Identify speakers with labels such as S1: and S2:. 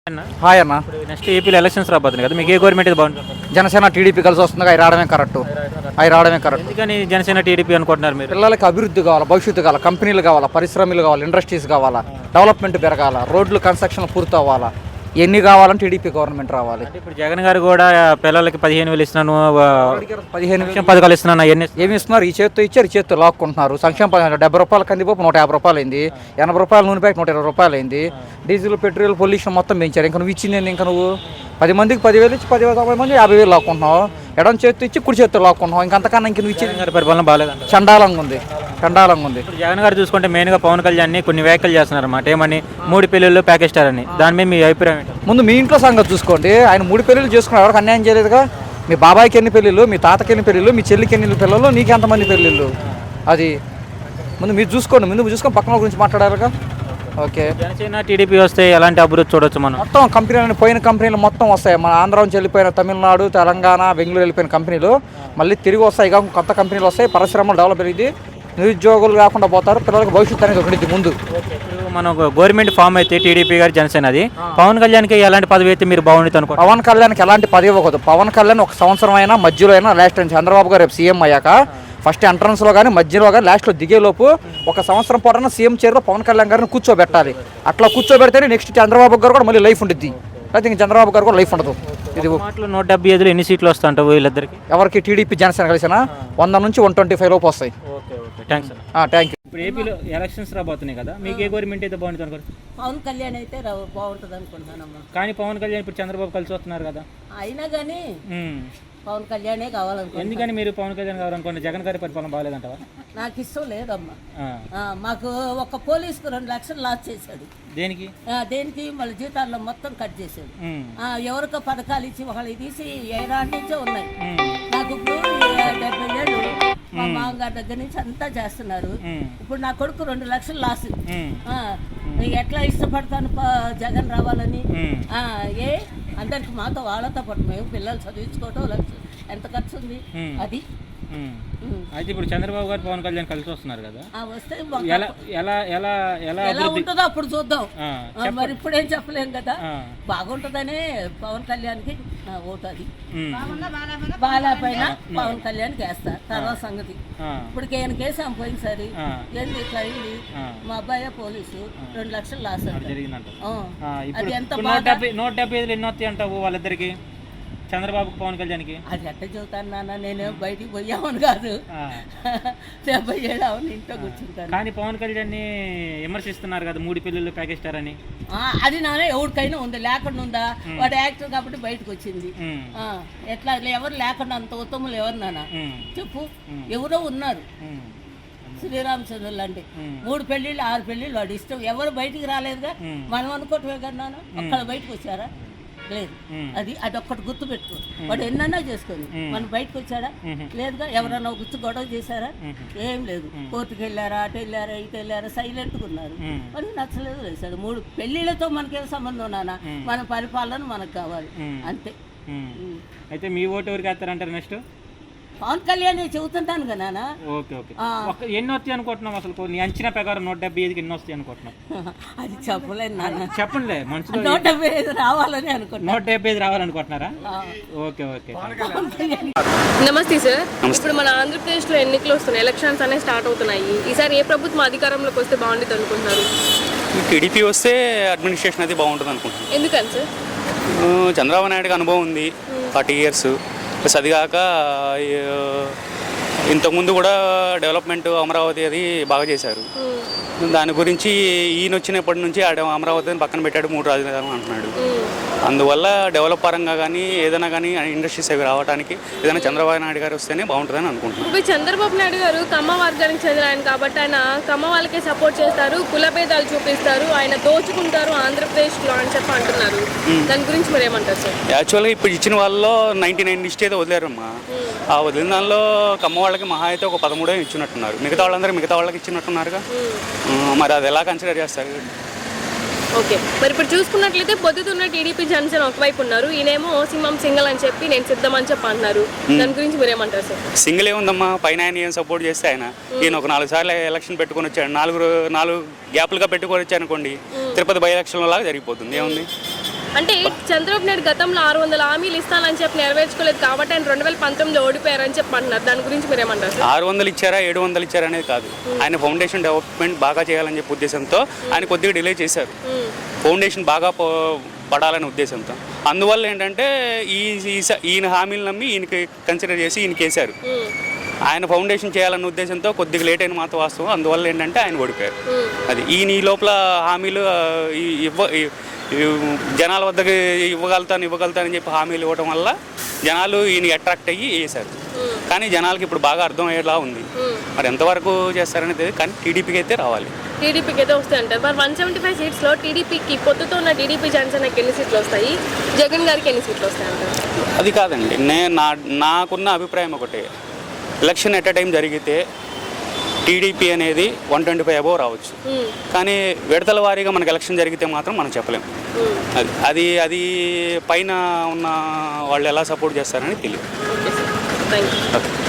S1: Hi అన్న.
S2: ఇప్పుడు next ఏపీలో ఎలక్షన్స్ రాబోతుంది కదా, మీకు ఏ గవర్నమెంట్ ఇది బాగుంటుంది?
S1: జనసేన టీడీపీ కలిసి వస్తుంది, అవి రావడమే కరెక్ట్.
S2: ఎందుకని జనసేన టీడీపీ అనుకుంటున్నారు మీరు?
S1: పిల్లలకి అభివృద్ధి కావాలా, భవిష్యత్తు కావాలా, కంపెనీలు కావాలా, పరిశ్రమలు కావాలా, ఇండస్ట్రీస్ కావాలా, డెవలప్మెంట్ పెరగాల, రోడ్లు కన్స్ట్రక్షన్ పూర్తి అవ్వాలా, ఎన్ని కావాలంటే టీడీపీ గవర్నమెంట్ రావాలి.
S2: అంటే ఇప్పుడు జగన్ గారు కూడా పిల్లలకి 15,000 ఇస్తున్నాను,
S1: 15
S2: సంక్షేమ పథకాలు ఇస్తున్నాను, అవన్నీ
S1: ఏమి ఇస్తున్నారు? ఈ చేత్తో ఇచ్చారు, ఈ చేత్తో లాక్కుంటున్నారు. సంక్షేమ పథకం 70 రూపాయల కందిపప్పు 150 రూపాయలు అయింది, 80 రూపాయల నూనె ప్యాకెట్ 120 రూపాయలు అయింది, డీజిల్ పెట్రోల్ పొల్యూషన్ మొత్తం పెంచారు. ఇంకా నువ్వు ఇచ్చింది ఇంకా నువ్వు 10 మందికి 10,000 ఇచ్చి 10,000 మంది 50,000 లాక్కుంటున్నావు. ఎడం చేత్తో ఇచ్చి కుడి చేత్తో లాక్కుంటున్నావు. ఇంకంతకన్నా ఇంక నువ్వు ఇచ్చేది
S2: గారి పరిపాలన బాగాలేదు.
S1: చండాలంగా ఉంది.
S2: ఇప్పుడు జగన్ గారు చూసుకుంటే మెయిన్గా పవన్ కళ్యాణ్ కొన్ని వ్యాఖ్యలు చేస్తున్నారు అన్నమాట. ఏమని 3 పెళ్ళిళ్ళు ప్యాకేజ్ అని, దాని మీద మీ అభిప్రాయం ఏంటి?
S1: ముందు మీ ఇంట్లో సంగతి చూసుకోండి. ఆయన 3 పెళ్ళిళ్ళు చేసుకున్నారు, ఎవరికి అన్యాయం చేయలేదుగా. మీ బాబాయ్కి ఎన్ని పెళ్ళిళ్ళు, మీ తాతకి ఎన్ని పెళ్ళిళ్ళు, మీ చెల్లికి ఎన్ని పిల్లలు, నీకు ఎంతమంది పెళ్ళిళ్ళు, అది ముందు మీరు చూసుకోండి. ముందు చూసుకొని పక్కన గురించి మాట్లాడాలిగా. ఓకే,
S2: జనసేన టీడీపీ వస్తే ఎలాంటి అభివృద్ధి చూడొచ్చు మనం?
S1: మొత్తం కంపెనీలు, పోయిన కంపెనీలు మొత్తం వస్తాయి. మన ఆంధ్ర నుంచి వెళ్ళిపోయిన తమిళనాడు, తెలంగాణ, బెంగళూరు వెళ్ళిపోయిన కంపెనీలు మళ్ళీ తిరిగి వస్తాయి. ఇక కొత్త కంపెనీలు వస్తాయి, పరిశ్రమలు డెవలప్ అయ్యింది, నిరుద్యోగులు కాకుండా పోతారు, పిల్లలకు భవిష్యత్తు అనేది ఒకటి ముందు.
S2: మనం గవర్నమెంట్ ఫామ్ అయితే టీడీపీ గారి జనసేన, అది పవన్ కళ్యాణ్కి ఎలాంటి పదవి అయితే మీరు బాగుంటుంది అనుకో?
S1: పవన్ కళ్యాణ్కి ఎలాంటి పదవి ఇవ్వకూడదు. పవన్ కళ్యాణ్ 1 సంవత్సరం అయినా, మధ్యలో అయినా, లాస్ట్ టైం చంద్రబాబు గారు రేపు సీఎం అయ్యాక ఫస్ట్ ఎంట్రన్స్లో కానీ, మధ్యలో కానీ, లాస్ట్లో దిగేలోపు 1 సంవత్సరం పాటున సీఎం చైర్లో పవన్ కళ్యాణ్ గారిని కూర్చోబెట్టాలి. అట్లా కూర్చోబెడితేనే నెక్స్ట్ చంద్రబాబు గారు కూడా మళ్ళీ లైఫ్ ఉంటుంది. అయితే ఇంక చంద్రబాబు గారు కూడా లైఫ్ ఉండదు. ఇది
S2: మాటలు 175 ఎన్ని సీట్లు వస్తాయంట వీళ్ళిద్దరికి?
S1: ఎవరికి? టీడీపీ జనసేన కలిసిన 100 నుంచి 125 లోపు వస్తాయి.
S2: థ్యాంక్స్.
S1: Thank you.
S2: ఇప్పుడు ఏపీలో ఎలక్షన్స్ రాబోతున్నాయి కదా, మీకు ఏ గవర్నమెంట్ అయితే బాగుంటుంది అనుకోరు?
S3: పవన్ కళ్యాణ్ అయితే బాగుంటుంది అనుకుంటున్నానమ్మా.
S2: కానీ పవన్ కళ్యాణ్ ఇప్పుడు చంద్రబాబు కలిసి వస్తున్నారు కదా.
S3: అయినా కానీ పవన్ కళ్యాణే కావాలనుకుంటున్నాను.
S2: ఎందుకని మీరు పవన్ కళ్యాణ్ కావాలనుకోండి? జగన్ గారి పరిపాలన బాగాలేదంటావా?
S3: నాకు ఇష్టం లేదమ్మా. మాకు ఒక పోలీసుకు 2 లక్షలు లాస్ చేశాడు.
S2: దేనికి?
S3: దేనికి? మళ్ళీ జీతాల్లో మొత్తం కట్ చేశాడు. ఎవరికో పథకాలు ఇచ్చి ఒకళ్ళు తీసి ఏడాది నుంచే ఉన్నాయి. నాకు ఇప్పుడు 70 ఏళ్ళు, మా మామగారి దగ్గర నుంచి అంతా చేస్తున్నారు. ఇప్పుడు నా కొడుకు 2 లక్షలు లాస్. ఎట్లా ఇష్టపడతాను జగన్ రావాలని? అందరికి మాతో వాళ్ళతో పాటు మేము పిల్లలు చదివించుకోవటం ఎంత ఖర్చు ఉంది అది.
S2: అయితే ఇప్పుడు చంద్రబాబు గారు పవన్ కళ్యాణ్ కలిసి వస్తున్నారు కదా,
S3: వస్తే
S2: ఎలా ఎలా ఎలా ఎలా
S3: ఎలా ఉంటుందో అప్పుడు చూద్దాం. మరి ఇప్పుడేం చెప్పలేం కదా. బాగుంటుందనే పవన్ కళ్యాణ్కి ఓటు. అది బాగాలేకపోయినా పవన్ కళ్యాణ్కి వేస్తా. తర్వాత సంగతి ఇప్పుడు కేన్ కేసాం పోయినసారి ఏంది ఇట్లా అయింది. మా అబ్బాయి పోలీసు 2 లక్షలు లాస్
S2: జరిగిందంట.
S3: అది ఎంత
S2: 175 ఎన్ని వస్తాయి అంటావు వాళ్ళిద్దరికి, చంద్రబాబుకి పవన్ కళ్యాణ్కి?
S3: అది ఎట్ట చెబుతాను నాన్న, నేను బయటికి పోయామని కాదు, 70 ఏళ్ళు అవును ఇంట్లో కూర్చుంటాను.
S2: కానీ పవన్ కళ్యాణ్ విమర్శిస్తున్నారు కదా 3 పెళ్ళిళ్ళు ప్యాకేజ్ అని.
S3: అది నాన్న ఎవరికైనా ఉంది, లేకుండా ఉందా? వాడు యాక్టర్ కాబట్టి బయటకు వచ్చింది. ఎట్లా ఎవరు లేకుండా అంత ఉత్తములు ఎవరు నాన్న చెప్పు? ఎవరో ఉన్నారు. శ్రీరామచంద్రులు లాంటి 3 పెళ్ళిళ్ళు 6 పెళ్ళిళ్ళు వాడు ఇష్టం. ఎవరు బయటికి రాలేదుగా. మనం అనుకోవటమే కదా నాన్న. అక్కడ బయటకు వచ్చారా? లేదు. అది ఒక్కటి గుర్తు పెట్టుకో. వాడు ఎన్నన్నా చేసుకొని మనం బయటకు వచ్చాడా? లేదుగా. ఎవరన్నా గుర్తు గొడవ చేశారా? ఏం లేదు. కోర్టుకు వెళ్ళారా, అటు వెళ్ళారా, ఇటు వెళ్ళారా, సైలెంట్గా ఉన్నారు. మనకి నచ్చలేదు వేశాడు. 3 పెళ్ళిళ్ళతో మనకేం సంబంధం నాన్న? మన పరిపాలన మనకు కావాలి అంతే.
S2: అయితే మీ ఓటు ఎవరికి వేస్తారంటారు నెక్స్ట్?
S3: పవన్ కళ్యాణ్ చెబుతుంటాను కదా నాన్న.
S2: Okay okay. ఎన్ని వస్తాయి అనుకుంటున్నాం అసలు? నీ అంచనా ప్రకారం 175కి ఎన్ని వస్తాయి అనుకుంటున్నాం?
S3: అది చెప్పలేదు నాన్న.
S2: చెప్పండి. మనసులో
S3: 175 రావాలని అనుకుంటున్నా.
S2: 175 రావాలనుకుంటున్నారా? Okay okay.
S4: నమస్తే సార్. ఇప్పుడు మన ఆంధ్రప్రదేశ్లో ఎన్నికలు వస్తున్నాయి, ఎలక్షన్స్ అనేవి స్టార్ట్ అవుతున్నాయి. ఈసారి ఏ ప్రభుత్వం అధికారంలోకి వస్తే బాగుంటుంది అనుకుంటున్నారు?
S5: టీడీపీ వస్తే అడ్మినిస్ట్రేషన్ అది బాగుంటుంది అనుకుంటున్నాను.
S4: ఎందుకని సార్?
S5: చంద్రబాబు నాయుడుకి అనుభవం ఉంది, 40 years. ప్లస్ అది కాక ఇంతకుముందు కూడా డెవలప్మెంట్ అమరావతి అది బాగా చేశారు. దాని గురించి ఈయన వచ్చినప్పటి నుంచి అమరావతిని పక్కన పెట్టాడు, 3 రాజధానులు అంటున్నాడు. అందువల్ల డెవలప్ పరంగా కానీ ఏదైనా కానీ ఇండస్ట్రీస్ అవి రావడానికి ఏదైనా చంద్రబాబు నాయుడు గారు వస్తేనే బాగుంటుందని అనుకుంటున్నాను.
S4: ఇప్పుడు చంద్రబాబు నాయుడు గారు కమ్మ వర్గానికి చెందిన ఆయన కాబట్టి ఆయన కమ్మ వాళ్ళకే సపోర్ట్ చేస్తారు, కులభేదాలు చూపిస్తారు, ఆయన దోచుకుంటారు ఆంధ్రప్రదేశ్లో అని చెప్పి అంటున్నారు. దాని గురించి మీరు ఏమంటారు సార్?
S5: యాక్చువల్గా ఇప్పుడు ఇచ్చిన వాళ్ళలో 99 లిస్ట్ అయితే వదిలేరమ్మా. ఆ వదిలిన దానిలో కమ్మ వాళ్ళకి మహా అయితే ఒక 13 ఇచ్చినట్టున్నారు. మిగతా వాళ్ళకి ఇచ్చినట్టున్నారుగా. మరి అది ఎలా కన్సిడర్ చేస్తారు?
S4: ఓకే. మరి ఇప్పుడు చూసుకున్నట్లయితే పొద్దుతున్న టీడీపీ జనసేన ఒకవైపు ఉన్నారు, ఈయనేమో సింహం సింగల్ అని చెప్పి నేను సిద్ధం అని చెప్పి అంటున్నారు. దాని గురించి మీరు ఏమంటారు సార్?
S5: సింగిల్ ఏముందమ్మా, పైన ఆయన ఏం సపోర్ట్ చేస్తే ఆయన ఈయన ఒక 4 సార్లు ఎలక్షన్ పెట్టుకొని వచ్చాడు. 4 గ్యాప్లుగా పెట్టుకొని వచ్చాను అనుకోండి, తిరుపతి బై ఎలక్షన్ లాగా జరిగిపోతుంది. ఏముంది?
S4: అంటే చంద్రబాబు నాయుడు గతంలో 600 హామీలు ఇస్తానని చెప్పి నెరవేర్చుకోలేదు కాబట్టి ఆయన 2019లో ఓడిపోయారని చెప్పి అంటున్నారు. దాని గురించి మీరు ఏమంటారు సార్?
S5: 600 ఇచ్చారా 700 ఇచ్చారా అనేది కాదు. ఆయన ఫౌండేషన్ డెవలప్మెంట్ బాగా చేయాలని చెప్పి ఉద్దేశంతో ఆయన కొద్దిగా డిలే చేశారు. ఫౌండేషన్ బాగా పడాలనే ఉద్దేశంతో. అందువల్ల ఏంటంటే ఈయన హామీలు నమ్మి ఈయనకి కన్సిడర్ చేసి ఈయనకి వేశారు. ఆయన ఫౌండేషన్ చేయాలన్న ఉద్దేశంతో కొద్దిగా లేట్ అయిన మాత్రం వాస్తవం. అందువల్ల ఏంటంటే ఆయన ఓడిపోయారు. అది ఈయన ఈ లోపల హామీలు జనాల వద్దకు ఇవ్వగలుగుతానని చెప్పి హామీలు ఇవ్వడం వల్ల జనాలు ఈయన అట్రాక్ట్ అయ్యి వేశారు. కానీ జనాలకి ఇప్పుడు బాగా అర్థమయ్యేలా ఉంది. మరి ఎంతవరకు చేస్తారనేది తెలియదు. కానీ టీడీపీకి అయితే రావాలి.
S4: టీడీపీకి అయితే వస్తాయి అంటారు. మరి 175 సీట్స్లో టీడీపీకి పొత్తుతో ఉన్న టీడీపీ జనసేనకి ఎన్ని సీట్లు వస్తాయి, జగన్ గారికి ఎన్ని సీట్లు వస్తాయి అంటారు?
S5: అది కాదండి, నాకున్న అభిప్రాయం ఒకటే. ఎలక్షన్ ఎట్ ఎ టైం జరిగితే టీడీపీ అనేది 125 అబోవ్ రావచ్చు. కానీ విడతల వారీగా మనకు ఎలక్షన్ జరిగితే మాత్రం మనం చెప్పలేము. అది పైన ఉన్న వాళ్ళు ఎలా సపోర్ట్ చేస్తారని తెలియదు.
S4: Thank you.